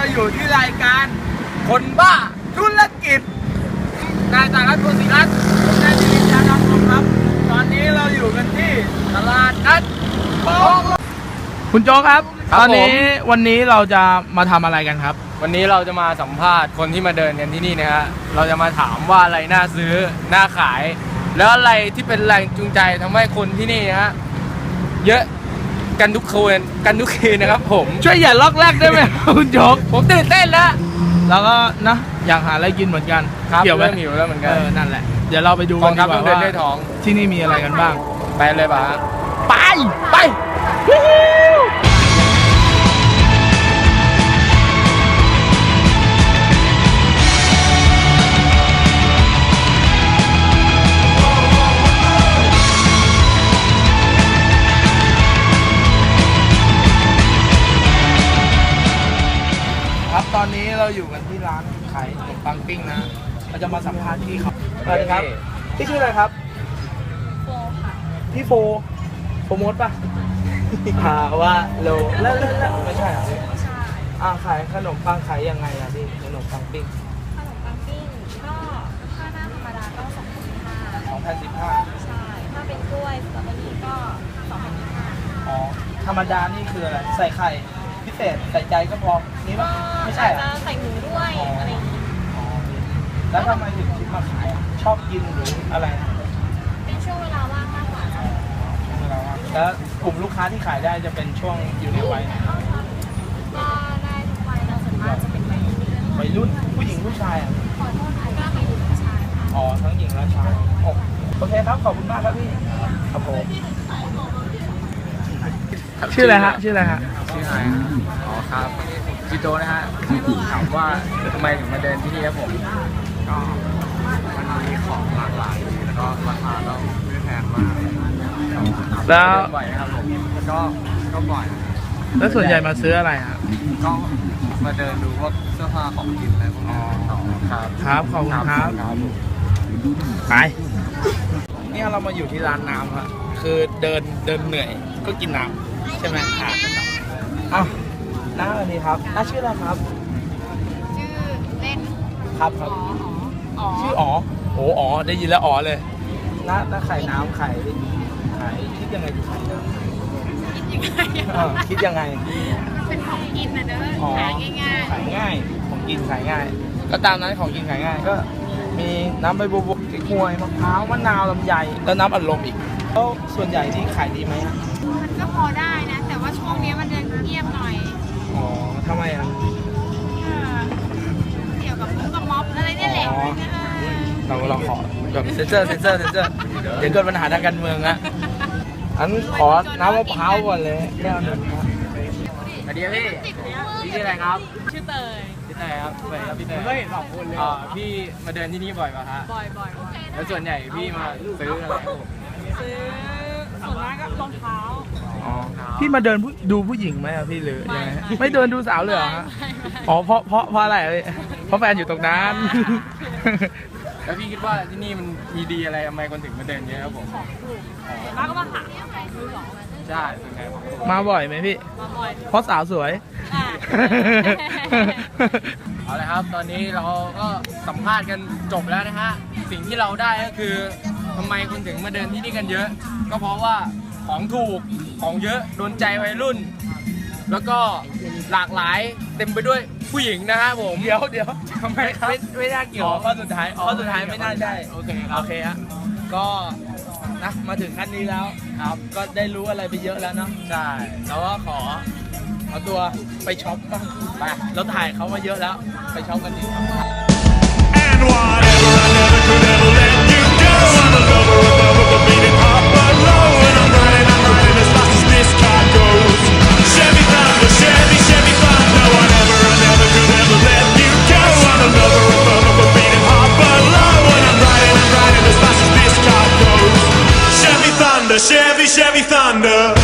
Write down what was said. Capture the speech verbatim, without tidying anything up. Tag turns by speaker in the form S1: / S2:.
S1: อยู่ที่รายการคนบ้าธุรกิจนายสารัตน์ โกศิรัตน์ผมนายจิรินทร์ ยานนท์ครับตอนนี้เราอยู่กันที่ตลาดนัดโป๊ะคุณโจ๊กครับตอนนี้วันนี้เราจะมาทำอะไรกันครับ
S2: วันนี้เราจะมาสัมภาษณ์คนที่มาเดินกันที่นี่นะฮะเราจะมาถามว่าอะไรน่าซื้อน่าขายแล้วอะไรที่เป็นแรงจูงใจทำให้คนที่นี่ฮะเยอะกันทุกคืนกันทุกคืนนะครับผม
S1: ช่วยอย่าล็อกแรกได้ไหมคุณโจ๊ก
S2: ผมตื่นเต้นแล้ว
S1: แล้วก็นะอยากหาอะไรกินเหมือนกัน
S2: เกี่ยวกับหิวแล้วเหมือนกัน
S1: เออนั่นแหละเดี๋ยวเราไปดูกันดีกว่าว่าที่นี่มีอะไรกันบ้าง
S2: ไปเลยป่ะ
S1: ไปไปครับตอนนี้เราอยู่กันที่ร้านขายขนมปังปิ้งนะเราจะมาสัมภาษณ์พี่เขาสวัสดีครับพี่ชื่ออะไรครับ
S3: โฟค่ะ
S1: พี่โฟโฟมดป่ะหาว่าโลแล้วแล้วไม่ใช่เหรอ
S3: ไม่ใช่
S1: อ่าขายขนมปังขายยังไงอ่ะพี่ขนมปังปิ้ง
S3: ขนมปังปิ้งก็ถ้าหน้าธรรมดาก็สองพันสิบห้า
S1: สองพันสิบห้า
S3: ใช่ถ้าเป็นกล้วยสตรอเบอรี่ก็สองพันสิบห้า
S1: อ๋อธรรมดานี่คืออะไรใส่ไข่พิเศษใส่ใจก็พอนี่ป่ะไม่ใช่
S3: จะใส่หมูด้วยอะไรอย่างนี้
S1: แล้วทำไมถึงคิดมาขายชอบกินหรืออะไร
S3: เป็นช่วงเวลาว่างมากกว่าจ้ะ
S1: ช่วงเวลาว่างแล้วกลุ่มลูกค้าที่ขายได้จะเป็นช่วงอยู่ในวัย
S3: ก็ได้ทุกวัยเราส่วนมากจะเป็นวัยรุ่น
S1: วัยรุ่นผู้หญิงผู้ชายอ่ะ
S3: ขอโทษก็วัยรุ่นผู้ชาย
S1: อ๋อทั้งหญิงและชายโอเคครับขอบคุณมากครับพี่ครับผมชื่ออะไรฮะชื่ออะไรฮะ
S2: ชื่อไฮอ๋อครับจิโจนะฮะถามว่าทำไมถึงมาเดินที่นี่ครับผมก็มันมีของหลากหลายแล้วก็ราคาก็ไม่แพงมาก
S1: แล้ว
S2: บ่อยครับผมก็ก็บ่อย
S1: แล้วส่วนใหญ่มาซื้ออะไรฮะ
S2: ก็มาเดินดูพวกเสื้อผ้าของกินอะไรพวกนี้ครับ
S1: ครับขอบคุณครับไปนี่เรามาอยู่ที่ร้านน้ำครับคือเดินเดินเหนื่อยก็กินน้ำใช่ไหมครับอ้าวน้าสวัสดีครับน้าชื่ออะไรครับ
S3: ชื่อเล่น
S1: ครับครับชื่ออ๋อโอ้อ๋อได้ยินแล้วอ๋อเลยน้าน้าขายน้ำขายขายคิดยังไงถึงขายน้ำคิดยังไง
S3: เป็นของกินนะเด้อขายง่าย
S1: ขายง่ายของกินขายง่ายก็ตามนั้นของกินขายง่ายก็มีน้ำใบบัวบกหวยมะพร้าวมะนาวลำไยแล้วน้ำอัดลมอีกแล้วส่วนใหญ่ที่ขายดีไหม
S3: มันก็พอได้นะแต่ว่าช่วงนี้มันจะเงียบหน่อย
S1: อ๋อทำไมอ่ะ
S3: เกี่ยวกับมุ้งกับม็อบอะไรนี่แหละ
S1: เราเราขอแบบเซนเซอร์เซนเซอร์เซนเซอร์เดี๋ยวเกิดปัญหาทางการเมืองอะอันขอน้ำมะพร้าวก่อนเลยแก้วหนึ่งครับ
S2: สวัสดีพี่พี่ชื่ออะไรครับ
S3: ชื่อเตย
S2: ชื่อเตยครับสวัสดีครับพี่เตย
S1: ไม่เห็นสองคนเลย
S2: อ๋อพี่มาเดินที่นี่บ่อยป่ะฮะ
S3: บ่อยบ่อย
S2: แล้วส่วนใหญ่พี่มาซื้ออะไร
S3: ซื้อส่วนมากก็รองเท้า
S1: อ๋อพี่มาเดินดูผู้หญิงไหมอะพี่หรือยังไงไม่เดินดูสาวเลยเหรอฮะอ๋อเพราะเพราะเพราะอะไรเพราะแฟนอยู่ตรงนั้น
S2: แล้วพี่คิดว่าที่นี่มันมีดีอะไรทำไมคนถึงมาเดินเยอะครับผม
S3: มากก็มาหา
S2: ใช่เป็นไง
S1: มาบ่อยไหมพี่
S3: มาบ่อย
S1: เพราะสาวสวย
S2: เอาละครับตอนนี้เราก็สัมภาษณ์กันจบแล้วนะฮะสิ่งที่เราได้ก็คือทำไมคนถึงมาเดินที่นี่กันเยอะก็เพราะว่าของถูกของเยอะโดนใจวัยรุ่นแล้วก็หลากหลายเต็มไปด้วยผู้หญิงนะฮะผม
S1: เดี๋ยวเดี๋ยว
S2: ทำไมครับ
S1: ไม่ไม่น่าเกี่ยวข้อสุดท้ายข้อสุดท้ายไม่น่าได้
S2: โอเคครับ
S1: โอเคฮะก็นะมาถึงขั้นนี้แล้วครับก็ได้รู้อะไรไปเยอะแล้วเนาะ
S2: ใช่
S1: แล้วก็ขอเอาตัวไปช็อปบ้างไปเราถ่ายเขามาเยอะแล้วไปช็อปกันดีครับ
S4: Chevy, Chevy Thunder